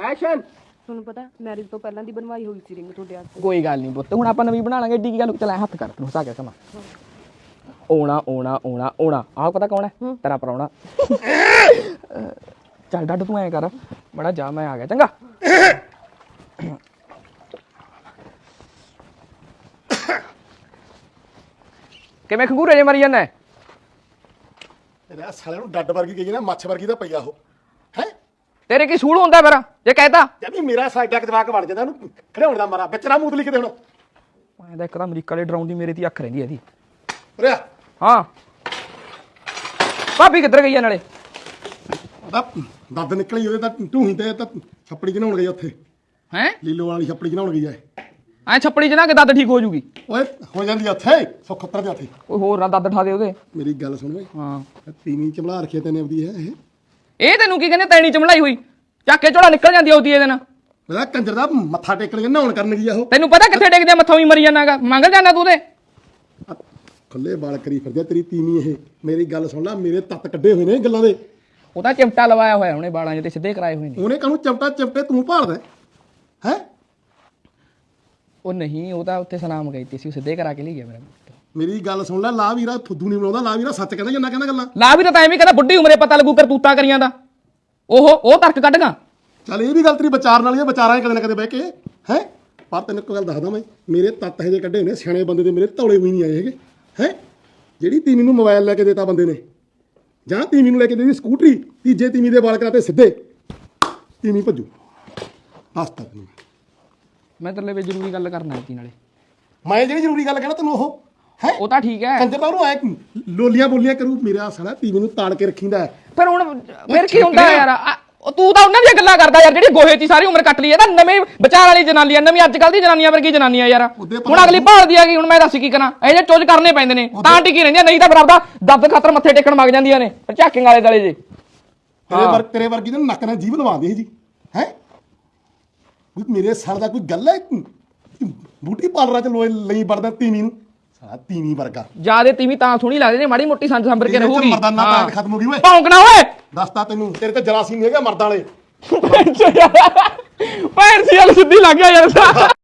Action. ਤੁਹਾਨੂੰ ਪਤਾ marriage ਤੋਂ ਪਹਿਲਾਂ ਦੀ ਬਣਵਾਈ ਹੋਈ ਸੀ ਰਿੰਗ ਤੁਹਾਡੇ ਹੱਥ। ਕੋਈ ਗੱਲ ਨਹੀਂ ਪੁੱਤ, ਹੁਣ ਆਪਾਂ ਨਵੀਂ ਬਣਾ ਲਾਂਗੇ। ਏਡੀ ਕੀ ਗੱਲ, ਚੱਲ ਹੱਥ ਕਰ ਤੈਨੂੰ ਹਸਾ ਕੇ ਕਮਾ। ਓਣਾ ਓਣਾ ਓਣਾ ਓਣਾ, ਆਹ ਪਤਾ ਕੌਣ ਹੈ? ਤੇਰਾ ਪ੍ਰਾਹੁਣਾ। ਚੱਲ ਡੱਡ ਤੂੰ ਐਂ ਕਰ ਬੜਾ ਜਾ, ਮੈਂ ਆ ਗਿਆ ਚੰਗਾ। ਕਿਵੇਂ ਖੰਗੂਰੇ ਜੇ ਮਰੀ ਜਾਂਦਾ? ਤੇਰੇ ਸਾਲੇ ਨੂੰ ਡੱਡ ਵਰਗੀ ਗਈ ਨਾ, ਮੱਛ ਵਰਗੀ ਤਾਂ ਪਈਆ ਉਹ ਹੈ। ਤੇਰੇ ਕੀ ਸੂਲ ਹੁੰਦਾ ਫਿਰ ਜੇ ਕਹਿਤਾ? ਜਦ ਮੇਰਾ ਸਾਈਡਾ ਜਵਾਕ ਵੜ ਜਾਂਦਾ ਉਹਨੂੰ ਖੜਾਉਣ ਦਾ ਮਾਰਾ ਵਿੱਚ ਨਾ ਮੂਤ ਲਿਖਦੇ ਹੁਣ। ਮੈਂ ਤਾਂ ਇੱਕ ਤਾਂ ਅਮਰੀਕਾ ਦੇ ਡਰਾਉਣ ਦੀ ਮੇਰੇ ਤੇ ਅੱਖ ਰਹਿੰਦੀ ਇਹਦੀ। ਉਰਿਆ ਹਾਂ ਭਾਬੀ ਕਿੱਧਰ ਗਈ ਆ ਨਾਲੇ? ਉਹਦਾ ਦੰਦ ਨਿਕਲੀ ਉਹਦੇ ਤਾਂ ਢੂਹੀ ਤੇ ਤਾਂ ਛੱਪੜੀ ਚ ਨਹਾਉਣ ਗਈ ਉੱਥੇ। ਹੈਂ ਲੀਲੋ ਵਾਲੀ ਛੱਪੜੀ ਚ ਨਹਾਉਣ ਗਈ ਐ। ਐ ਛੱਪੜੀ ਚ ਨਾ ਕਿ ਦੱਦ ਠੀਕ ਹੋ ਜੂਗੀ। ਓਏ ਹੋ ਜਾਂਦੀ ਆ ਉੱਥੇ ਸੁੱਖਤਰ ਦੇ ਉੱਥੇ। ਕੋਈ ਹੋਰ ਨਾ ਦੱਦ ਠਾ ਦੇ ਉਹਦੇ। ਮੇਰੀ ਗੱਲ ਸੁਣ ਓਏ, ਹਾਂ ਤੀਵੀਂ ਚਮਲਾ ਰੱਖਿਆ ਤੈਨੇ ਆਪਦੀ ਹੈ ਇਹ। ਇਹ ਤੈਨੂੰ ਕੀ ਕਹਿੰਦੇ? ਤੈਣੀ ਚਮੜਾਈ ਹੋਈ ਚੱਕ ਕੇ ਝੋਲਾ ਨਿਕਲ ਜਾਂਦੀ ਆਉਦੀ ਇਹਦੇ ਨਾਲ। ਮੇਰਾ ਕੰਜਰ ਦਾ ਮੱਥਾ ਟੇਕਣ ਕੇ ਨਹਾਉਣ ਕਰਨ ਗਈ ਆ ਉਹ। ਤੈਨੂੰ ਪਤਾ ਕਿੱਥੇ ਡੇਗਦੇ ਮੱਥੋਂ ਹੀ ਮਰੀ ਜਾਣਾਗਾ, ਮੰਗਲ ਜਾਣਾ ਤੂੰ ਉਹਦੇ। ਖੁੱਲੇ ਵਾਲ ਕਰੀ ਫਿਰਦੇ ਤੇਰੀ ਤੀਵੀਂ ਇਹ। ਮੇਰੀ ਗੱਲ ਸੁਣ ਲੈ, ਮੇਰੇ ਤੱਤ ਕੱਢੇ ਹੋਏ ਨੇ ਗੱਲਾਂ ਦੇ। ਉਹ ਤਾਂ ਚਿਮਟਾ ਲਵਾਇਆ ਹੋਇਆ ਉਹਨੇ ਬਾਲਾਂ 'ਚ ਤੇ ਸਿੱਧੇ ਕਰਾਏ ਹੋਏ ਨੇ। ਉਹਨੇ ਕਾਹਨੂੰ ਚਮਟਾ ਚਮਟੇ ਤੂੰ ਭਾਲਦਾ ਹੈ? ਉਹ ਨਹੀਂ, ਉਹ ਤਾਂ ਉੱਥੇ ਸਲਾਮ ਗਈ ਤੀ ਸੀ, ਉਹ ਸਿੱਧੇ ਕਰਾ ਕੇ ਲਈ ਗਿਆ ਮੇਰਾ। ਮੇਰੀ ਗੱਲ ਸੁਣ ਲੈ, ਲਾ ਵੀਰਾ ਫੁੱਦੂ ਨਹੀਂ ਬਣਾਉਂਦਾ। ਲਾ ਵੀਰਾ ਸੱਚ ਕਹਿੰਦਾ ਜਿੰਨਾ ਕਹਿੰਦਾ ਗੱਲਾਂ। ਲਾ ਵੀ ਤਾਂ ਐਵੇਂ ਕਹਿੰਦਾ ਬੁੱਢੀ ਉਮਰੇ ਪਤਾ ਲੱਗੂ ਕਰਤੂਤਾਂ ਕਰੀਆਂ ਦਾ। ਉਹ ਤਰਕ ਕੱਢਗਾ। ਚੱਲ ਇਹ ਵੀ ਗੱਲ ਤੇਰੀ ਵਿਚਾਰ ਨਾਲ ਹੀ ਆ, ਵਿਚਾਰਾਂ ਕਦੇ ਨਾ ਕਦੇ ਬਹਿ ਕੇ ਹੈ। ਪਰ ਤੈਨੂੰ ਇੱਕ ਗੱਲ ਦੱਸਦਾ ਮੈਂ, ਮੇਰੇ ਤੱਤ ਇਹੋ ਜਿਹੇ ਕੱਢੇ ਹੋਏ ਨੇ ਸਿਆਣੇ ਬੰਦੇ ਦੇ, ਮੇਰੇ ਧੌਲੇ ਵੀ ਨਹੀਂ ਆਏ ਹੈਗੇ ਹੈ। ਜਿਹੜੀ ਤੀਵੀਂ ਨੂੰ ਮੋਬਾਈਲ ਲੈ ਕੇ ਦੇਤਾ ਬੰਦੇ ਨੇ, ਜਾਂ ਤੀਵੀਂ ਨੂੰ ਲੈ ਕੇ ਦੇਦੀ ਸਕੂਟਰੀ, ਤੀਜੇ ਤੀਵੀਂ ਦੇ ਵਾਲ ਕਰਾਤੇ ਸਿੱਧੇ, ਤੀਵੀਂ ਭੱਜੂ। ਦੱਸਤਾ ਤੈਨੂੰ ਮੈਂ ਤੇਰੇ ਲਈ ਜ਼ਰੂਰੀ ਗੱਲ ਕਰਨਾ ਸੀ ਨਾਲੇ। ਮੈਂ ਜਿਹੜੀ ਜ਼ਰੂਰੀ ਗੱਲ ਕਹਿਣਾ ਤੈਨੂੰ ਉਹ ਹੈ। ਉਹ ਤਾਂ ਠੀਕ ਹੈ, ਕੰਜਰ ਤਾਂ ਉਹਨੂੰ ਆਏ ਲੋਲੀਆਂ ਬੋਲੀਆਂ ਕਰੂ। ਮੇਰਾ ਸਾਲਾ ਤੀਵੀਂ ਨੂੰ ਤਾੜ ਕੇ ਰੱਖੀਦਾ ਹੈ। ਫਿਰ ਕੀ ਹੁੰਦਾ ਯਾਰ? ਤੂੰ ਤਾਂ ਉਹਨਾਂ ਦੀਆਂ ਗੱਲਾਂ ਕਰਦਾ ਯਾਰ, ਜਿਹੜੀ ਗੋਹੇ 'ਚ ਸਾਰੀ ਉਮਰ ਕੱਟ ਲਈ ਹੈ। ਤਾਂ ਨਵੇਂ ਵਿਚਾਰ ਵਾਲੀ ਜਨਾਨੀ ਆ, ਨਵੀਂ ਅੱਜ ਕੱਲ੍ਹ ਦੀ ਜਨਾਨੀਆਂ ਵਰਗੀ ਜਨਾਨੀ ਆ ਯਾਰ। ਹੁਣ ਅਗਲੀ ਭਾਲਦੀ ਆ ਗਈ, ਹੁਣ ਮੈਂ ਦੱਸ ਕੀ ਕਰਾਂ? ਇਹ ਜੇ ਚੁੱਜ ਕਰਨੇ ਪੈਂਦੇ ਨੇ ਤਾਂ ਟਿਕੀ ਰਹਿੰਦੀਆਂ, ਨਹੀਂ ਤਾਂ ਫਿਰ ਆਪਦਾ ਦੱਬ ਖਾਤਰ ਮੱਥੇ ਟੇਕਣ ਮਗ ਜਾਂਦੀਆਂ ਨੇ ਝਾਕਿੰਗ ਵਾਲੇ ਦਲੇ ਜੇ। ਤੇਰੇ ਵਰਗੀ ਦੇ ਨੱਕ ਨਾਲ ਜੀਭ ਲਵਾਉਂਦੀ ਸੀ ਜੀ ਹੈ। ਮੇਰੇ ਸਰ ਦਾ ਕੋਈ ਗੱਲ ਹੈ? ਬੂਟੀ ਪਾਰਲਰਾਂ ਚ ਲੋਏ ਲਈ ਵੜਦਾ ਤੀਵੀਂ ਨੂੰ, ਸਾਲਾ ਤੀਵੀਂ ਵਰਗਾ। ਜਿਆਦੇ ਤੀਵੀਂ ਤਾਂ ਸੋਹਣੀ ਲੱਗਦੀ ਨੇ, ਮਾੜੀ ਮੋਟੀ ਸੰਜ ਸੰਭਰ ਕੇ ਰਹੂਗੀ। ਮਰਦਾਨਾ ਤਾਂ ਖਤਮ ਹੋ ਗਈ ਓਏ। ਭੌਂਕਣਾ ਓਏ, ਦੱਸਤਾ ਤੈਨੂੰ, ਤੇਰੇ ਤੇ ਜਰਾਸੀਮ ਹੈਗਾ ਮਰਦਾਂ ਵਾਲੇ। ਭੈਣ ਸੀ ਗੱਲ ਸਿੱਧੀ ਲੱਗ ਗਿਆ ਯਾਰ।